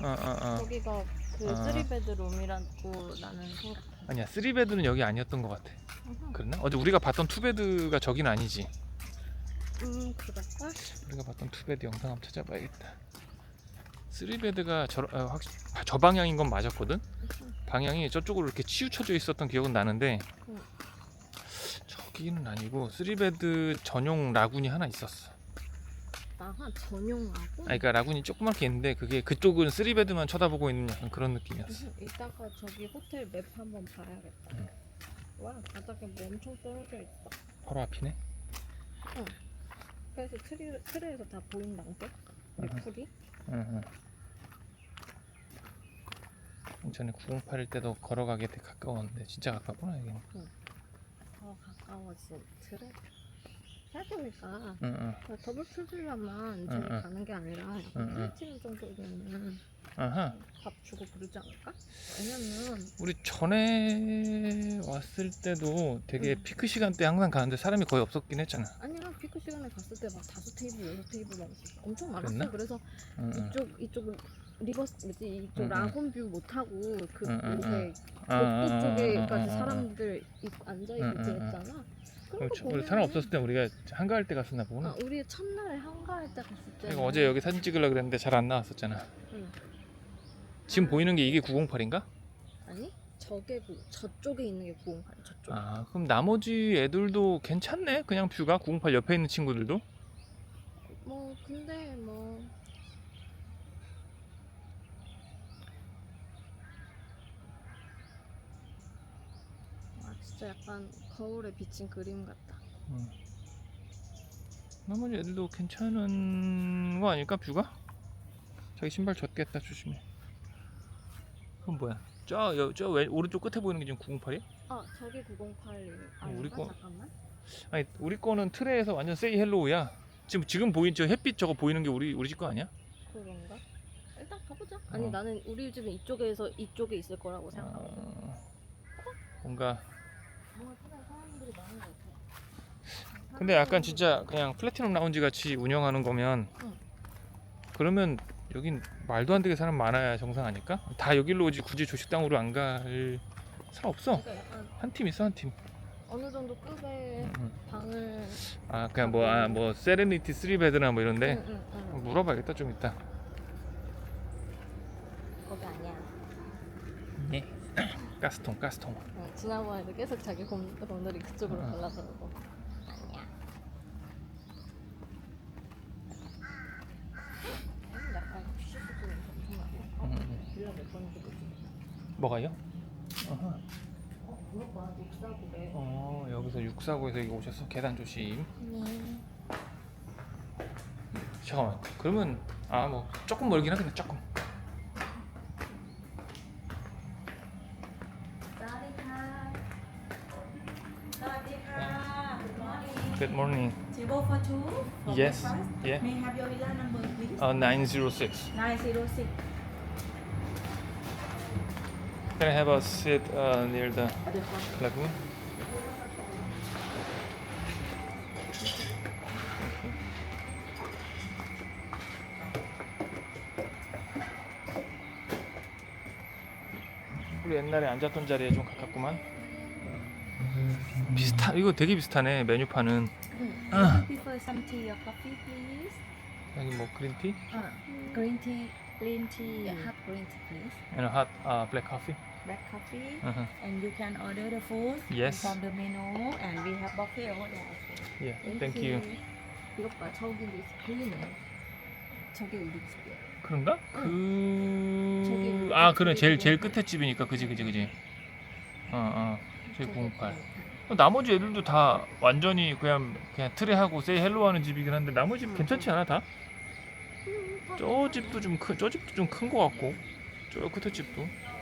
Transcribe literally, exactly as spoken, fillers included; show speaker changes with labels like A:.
A: 어, 어, 어.
B: 여기가 그
A: 어.
B: 쓰리베드룸이라고 나는 생각.
A: 아니야, 쓰리베드는 여기 아니었던 것 같아. 그랬나? 어제 우리가 봤던 투베드가 저긴 아니지.
B: 음 그럴걸?
A: 우리가 봤던 투베드 영상 한번 찾아봐야겠다. 쓰리베드가 저, 어, 확, 저 방향인 건 맞았거든? 방향이 저쪽으로 이렇게 치우쳐져 있었던 기억은 나는데
B: 응.
A: 저기는 아니고 쓰리베드 전용 라군이 하나 있었어.
B: 나한 전용하고.
A: 아니, 그러니까 라군이 조그맣게 있는데 그게 그쪽은 쓰리베드만 쳐다보고 있는 약간 그런 느낌이었어.
B: 음, 이따가 저기 호텔 맵 한번 봐야겠다.
A: 응.
B: 와 바닥에 뭐 엄청 떨어져 있다.
A: 바로 앞이네.
B: 그래서 트리, 트레에서 다 보인다는데?
A: 응.
B: 풀이?
A: 응, 응. 전에 구공팔일 때도 걸어가기 되게 가까웠는데 진짜 가깝구나 여기는.
B: 더 가까워진 트레? 생각해보니까
A: 응, 응.
B: 더블 풀빌라만 저기
A: 응, 응.
B: 가는 게 아니라 약간
A: 응, 응.
B: 플래티넘 정도면
A: 아하.
B: 밥 주고 그러지 않을까? 왜냐면
A: 우리 전에 왔을 때도 되게
B: 응.
A: 피크 시간대 항상 가는데 사람이 거의 없었긴 했잖아.
B: 아니야 피크 시간에 갔을 때 막 다섯 테이블 여섯 테이블 막 엄청 많았어.
A: 그랬나?
B: 그래서
A: 응, 응.
B: 이쪽 이쪽은 리버스 뭐지 이쪽
A: 응, 응.
B: 라곤뷰 못 하고 그
A: 응, 응,
B: 요새
A: 응.
B: 복도
A: 아, 아, 아,
B: 쪽에까지
A: 아, 아, 아.
B: 사람들 있고 앉아 있고
A: 응, 응, 응.
B: 그랬잖아. 그런 거
A: 그렇죠. 우리
B: 보면은
A: 사람 없었을 때 우리가 한가할 때 갔었나 보구나.
B: 아, 우리 첫날에 한가할 때 갔을 때
A: 내가 어제 여기 사진 찍으려고 그랬는데 잘 안 나왔었잖아.
B: 응.
A: 지금 보이는 게 이게 구공팔인가?
B: 아니 저게 그 저쪽에 있는 게 구공팔 저쪽.
A: 아, 그럼 나머지 애들도 괜찮네. 그냥 뷰가 구공팔 옆에 있는 친구들도.
B: 뭐 근데 뭐 아, 진짜 약간 거울에 비친 그림 같다.
A: 음. 나머지 애들도 괜찮은 거 아닐까 뷰가? 자기 신발 젖겠다 조심해. 그건 뭐야? 저저 오른쪽 끝에 보이는 게 지금 구공팔이야?
B: 아 저게 구공팔
A: 어, 우리
B: 아닌가?
A: 거-
B: 잠깐만.
A: 아니 우리 거는 트레에서 완전 세이 헬로우야. 지금 지금 보인 저 햇빛 저거 보이는 게 우리 우리 집 거 아니야?
B: 그런가? 일단 가보자. 아니
A: 어.
B: 나는 우리 집은 이쪽에서 이쪽에 있을 거라고 생각하거든.
A: 어, 뭔가
B: 뭔가 그냥 사람들이 많은 것 같아.
A: 근데 약간 진짜 그냥 플래티넘 라운지 같이 운영하는 거면
B: 응.
A: 그러면 여긴 말도 안 되게 사람 많아야 정상 아닐까? 다 여기로 오지 굳이 조식당으로 안 갈 사람 없어.
B: 그러니까 약간
A: 한 팀 있어 한 팀.
B: 어느 정도 급의
A: 응, 응.
B: 방을.
A: 아 그냥 뭐 아 뭐 세레니티 쓰리 베드나 뭐 이런데
B: 응, 응, 응.
A: 물어봐야겠다 좀 이따.
B: 거기 아니야.
A: 네. 가스통 가스통.
B: 응, 지난번에도 계속 자기 곰, 곰돌이 그쪽으로
A: 응.
B: 갈라서고. 아니야. 음, 약간 푸시푸시 엄청 나네. 어?
A: 응, 응.
B: 빌라 몇 번인지 모르지.
A: 뭐가요? 어허.
B: 어, 그렇구나. 육사구래.
A: 어 여기서 육사구에서 여기 오셔서 계단 조심.
B: 음.
A: 잠깐만 그러면 아 뭐 조금 멀긴 하겠네 조금. Good morning.
C: Table for two. For
A: Yes.
C: breakfast.
A: Yeah.
C: May I have your villa number, please?
A: Uh, nine zero six.
C: nine zero six.
A: Can I have a seat uh, near the lagoon? 우리 옛날에 앉았던 자리에 좀 가깝구만. 비슷하 이거 되게 비슷하네 메뉴판은. 아.
C: Prefer some tea or coffee, please?
A: 여기 뭐 그린티
C: Uh, green tea. Green tea. Hot green tea, please.
A: and a hot uh, black coffee.
C: Black coffee.
A: Uh-huh.
C: And you can order the food
A: Yes.
C: from the menu, and we have buffet over there. Also.
A: Yeah, thank you.
B: 이것 봐, 저기도 있어. 보이네. 저게 우리 집이야.
A: 그런가?
B: 저기
A: 그... 아 그래 제일 제일
B: 구공팔.
A: 끝에 집이니까 그지 그지 그지. 어어 제일 구공팔. 나머지 애들도 다 완전히 그냥 그냥 트레하고 세이 헬로 하는 집이긴 한데 나머지 집 괜찮지 않아 다? 저 집도 좀 큰, 저 집도 좀 큰 거 같고 저 끝에 집도